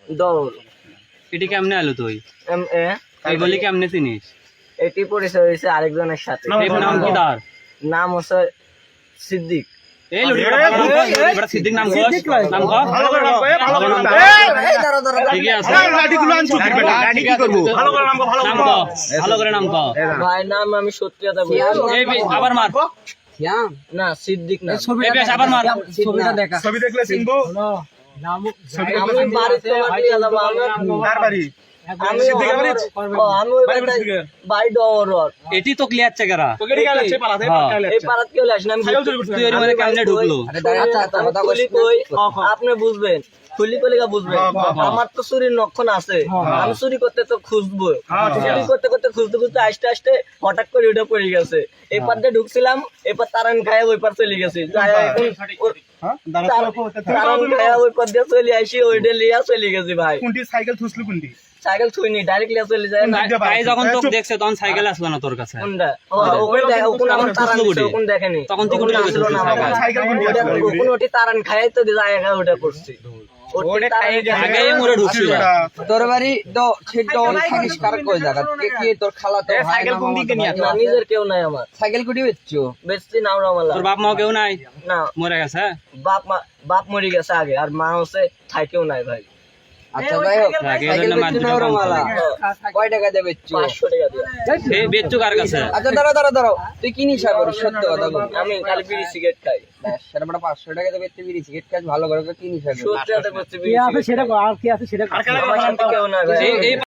দৌড়। এটি কেমনে আলো তুই এ এগুলি কেমনে চিনিস এটি পরিচয় হয়েছে আরেকজনের সাথে। এর নাম কি তার নাম হচ্ছে সিদ্দিক। এই লড়ি বড় সিদ্দিক নাম কস নাম কস ভালো করে নাম কো, ভালো করে নাম কো। এই দাঁড়া দাঁড়া ঠিক আছে লাঠি গুলো আনছো কি বেটা? লাঠি কি করব? ভালো করে নাম কো, ভালো নাম করে কো নাম ভালো করে নাম কো ভাই নাম আমি সত্যি কথা বলছি। এই আবার মার না সিদ্দিক না। এই বেশ আবার মার ছবিটা দেখা। ছবি দেখলে চিনবো? আমি বাড়ি তোমার নিয়ে যাবো। কার বাড়ি? আমি সিদ্দিকের বাড়ি? আমি ওই বাড়ি ডর। এটি তো ক্লিয়ার চেকারা তোকে কি গেছে পালাতে? এই পাড়াত কেউ আসে না। আমি সাইকেল চুরি করছিস? তুই এর মানে কেমনে ঢুকলো খুলি কই আপনি বুঝবেন। খুলি কলিগা বুঝবেন। আমার তো চুরির লক্ষণ আছে। আমি চুরি করতে তো খুঁজবো। চুরি করতে করতে খুঁজতে খুঁজতে আস্তে আস্তে হঠাৎ করে ওটা পড়ে গেছে। এই পার দিয়ে ঢুকছিলাম, এরপর তারান খায় ওই পার চলে গেছে। হ্যাঁ? তারান খায় ওই পার দিয়ে চলে আসি, ওইটা লিয়া চলে গেছে ভাই। কোনটি সাইকেল থুসলি কোনটি? সাইকেল ছুঁইনি, ডাইরেক্ট লিয়া চলে যায় না। ভাই যখন তোকে দেখছে তখন সাইকেল আসলো না তোর কাছে কোনটা? ওখানে দেখে, ওখানে আমার তারান দিছে, ওখানে দেখেনি। তখন তুই কোথায় আসলো না আমার কাছে। সাইকেল কোনটি? ওখানে ওটি তারান খায় তো জায়গা ওটা করছি। ওটা আগে মোরে ঢুকছিল তোর বাড়ি থাকিস কার কই জায়গা কে কি তোর খালা তো সাইকেল কোন দিকে নিয়ে না, নিজের কেউ নাই আমার। সাইকেল কুটি বেচছো বেশি নাও রামালা তোর বাপ মা কেউ নাই না। মরে গেছে বাপ মরে গেছে আগে, আর মা হচ্ছে থাকেও নাই ভাই। আচ্ছা যাই হোক আগে সাইকেল জন্য বেচছো না মানতে রমালা কয় টাকা দিয়ে বেচছো 500 টাকা দিয়ে। এই বেচ্চু কার কাছে আচ্ছা দাঁড়াও তুই কি নিশা করিস সত্য কথা বল আমি খালি বিড়ি সিগারেট খাই। সেটা বড় 500 টাকা দিয়ে বেচতে বিড়ি সিগারেট খাস ভালো করে কি নিশা করিস সত্যি কথা বলছি, বিড়ি সিগারেট খাই। আর কেন আমার সাথে কেউ নাই ভাই। এই